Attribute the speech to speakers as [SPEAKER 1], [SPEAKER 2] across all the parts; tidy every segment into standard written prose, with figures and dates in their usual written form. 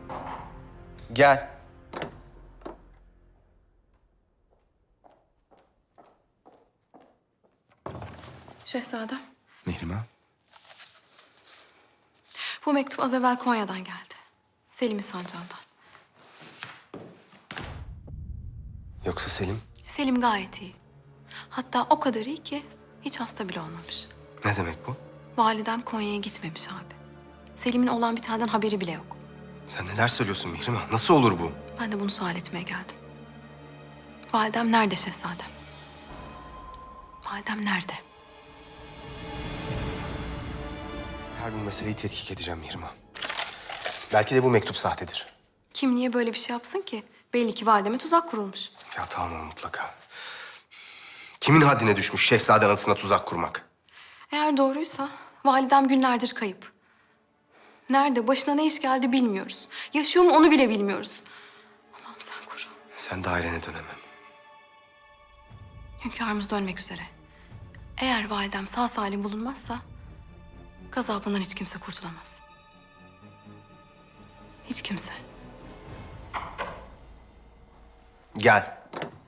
[SPEAKER 1] Gel.
[SPEAKER 2] Şehzadem,
[SPEAKER 1] Mihrimah.
[SPEAKER 2] bu mektup az evvel Konya'dan geldi. Selim'in sancağından.
[SPEAKER 1] Yoksa Selim?
[SPEAKER 2] Selim gayet iyi. Hatta o kadar iyi ki hiç hasta bile olmamış.
[SPEAKER 1] Ne demek bu?
[SPEAKER 2] Validem Konya'ya gitmemiş abi. Selim'in olan bitenden haberi bile yok.
[SPEAKER 1] Sen neler söylüyorsun Mihrimah? Nasıl olur bu?
[SPEAKER 2] Ben de bunu sual etmeye geldim. Validem nerede şehzadem? Validem nerede?
[SPEAKER 1] Her bu meseleyi tetkik edeceğim Mihrimah. Belki de bu mektup sahtedir.
[SPEAKER 2] Kim niye böyle bir şey yapsın ki? Belli ki valideme tuzak kurulmuş.
[SPEAKER 1] Ya tamam mutlaka. Kimin haddine düşmüş şehzade anasına tuzak kurmak?
[SPEAKER 2] Eğer doğruysa validem günlerdir kayıp. Nerede, başına ne iş geldi bilmiyoruz. Yaşıyor mu onu bile bilmiyoruz. Allah'ım sen koru.
[SPEAKER 1] Sen dairene dönemem.
[SPEAKER 2] Hünkârımız dönmek üzere. Eğer validem sağ salim bulunmazsa gazabından hiç kimse kurtulamaz. Hiç kimse.
[SPEAKER 1] Gel.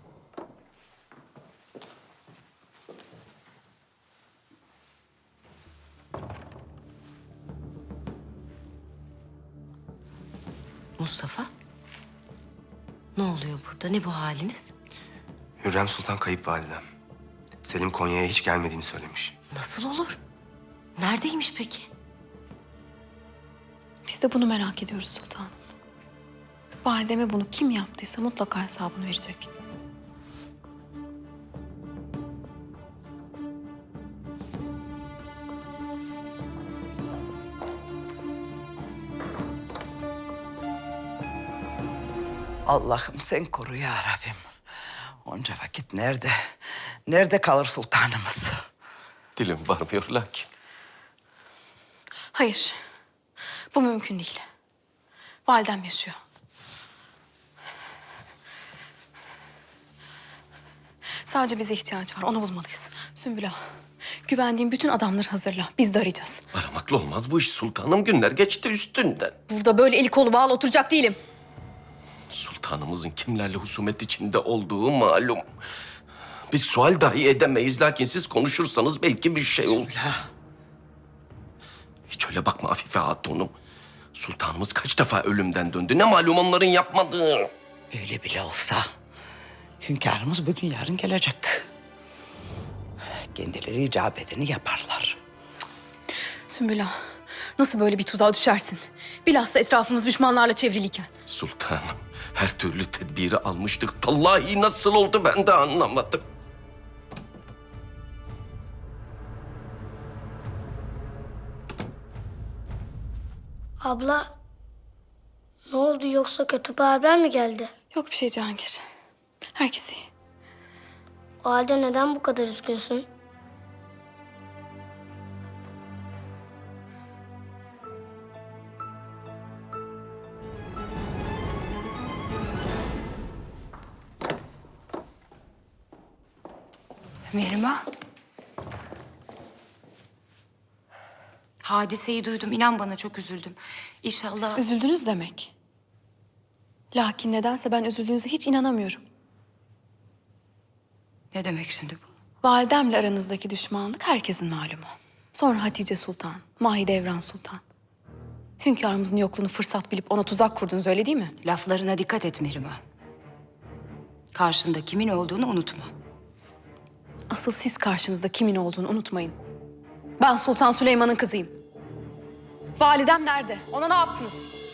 [SPEAKER 3] Mustafa? Ne oluyor burada? Ne bu haliniz?
[SPEAKER 1] Hürrem Sultan kayıp validem. Selim Konya'ya hiç gelmediğini söylemiş.
[SPEAKER 3] Nasıl olur? Neredeymiş peki?
[SPEAKER 2] Biz de bunu merak ediyoruz sultanım. Valideme bunu kim yaptıysa mutlaka hesabını verecek.
[SPEAKER 4] Allah'ım sen koru ya Rabbim. Onca vakit nerede? Nerede kalır sultanımız?
[SPEAKER 5] Dilim varmıyor lakin.
[SPEAKER 2] Hayır. Bu mümkün değil. Validem yaşıyor. Sadece bize ihtiyacı var. Onu bulmalıyız. Sümbül Ağa, güvendiğim bütün adamları hazırla. Biz de arayacağız.
[SPEAKER 5] Aramakla olmaz bu iş sultanım. Günler geçti üstünden.
[SPEAKER 2] Burada böyle eli kolu bağlı oturacak değilim.
[SPEAKER 5] Sultanımızın kimlerle husumet içinde olduğu malum. Biz sual dahi edemeyiz lakin siz konuşursanız belki bir şey olur. Hiç öyle bakma Afife Hatun'um. Sultanımız kaç defa ölümden döndü. Ne malum onların yapmadığı.
[SPEAKER 4] Öyle bile olsa hünkârımız bugün yarın gelecek. Kendileri icap edeni yaparlar.
[SPEAKER 2] Sümbül Ağa, nasıl böyle bir tuzağa düşersin? Bilhassa etrafımız düşmanlarla çevriliyken.
[SPEAKER 5] Sultanım her türlü tedbiri almıştık. Vallahi nasıl oldu ben de anlamadım.
[SPEAKER 6] Abla, ne oldu yoksa kötü bir haber mi geldi?
[SPEAKER 2] Yok bir şey Cihangir. Herkes iyi.
[SPEAKER 6] O halde neden bu kadar üzgünsün?
[SPEAKER 3] Mihrimah. Hadiseyi duydum. İnan bana çok üzüldüm. İnşallah...
[SPEAKER 2] Üzüldünüz demek. Lakin nedense ben üzüldüğünüze hiç inanamıyorum.
[SPEAKER 3] Ne demek şimdi bu?
[SPEAKER 2] Validemle aranızdaki düşmanlık herkesin malumu. Sonra Hatice Sultan, Mahidevran Sultan. Hünkârımızın yokluğunu fırsat bilip ona tuzak kurdunuz öyle değil mi?
[SPEAKER 3] Laflarına dikkat et Mihrimah. Karşında kimin olduğunu unutma.
[SPEAKER 2] Asıl siz karşınızda kimin olduğunu unutmayın. Ben Sultan Süleyman'ın kızıyım. Validem nerede? Ona ne yaptınız?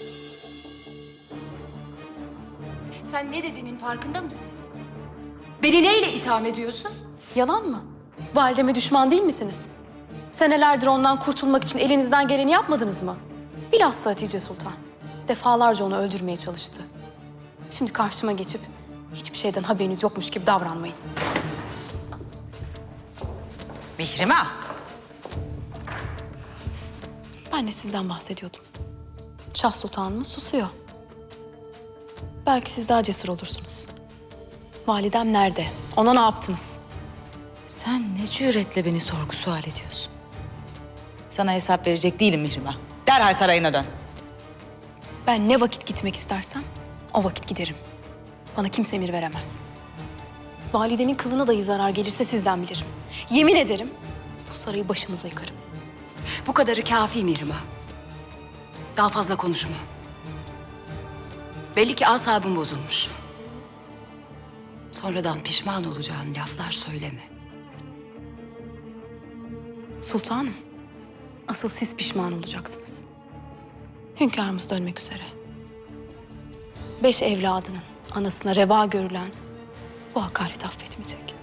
[SPEAKER 3] Sen ne dediğinin farkında mısın? Beni neyle itham ediyorsun?
[SPEAKER 2] Yalan mı? Valideme düşman değil misiniz? Senelerdir ondan kurtulmak için elinizden geleni yapmadınız mı? Bilhassa Hatice Sultan. Defalarca onu öldürmeye çalıştı. Şimdi karşıma geçip hiçbir şeyden haberiniz yokmuş gibi davranmayın.
[SPEAKER 3] Mihrimah.
[SPEAKER 2] Ben de sizden bahsediyordum. Şah Sultanımız susuyor. Belki siz daha cesur olursunuz. Validem nerede? Ona ne yaptınız?
[SPEAKER 3] Sen ne cüretle beni sorgu sual ediyorsun? Sana hesap verecek değilim Mihrimah. Derhal sarayına dön.
[SPEAKER 2] Ben ne vakit gitmek istersem o vakit giderim. Bana kimse emir veremez. Validemin kılına dahi zarar gelirse sizden bilirim. Yemin ederim bu sarayı başınıza yıkarım.
[SPEAKER 3] Bu kadarı kafi Mihrimah. Daha fazla konuşma. Belli ki asabın bozulmuş. Sonradan pişman olacağın laflar söyleme.
[SPEAKER 2] Sultanım, asıl siz pişman olacaksınız. Hünkârımız dönmek üzere. 5 evladının anasına reva görülen bu hakareti affetmeyecek.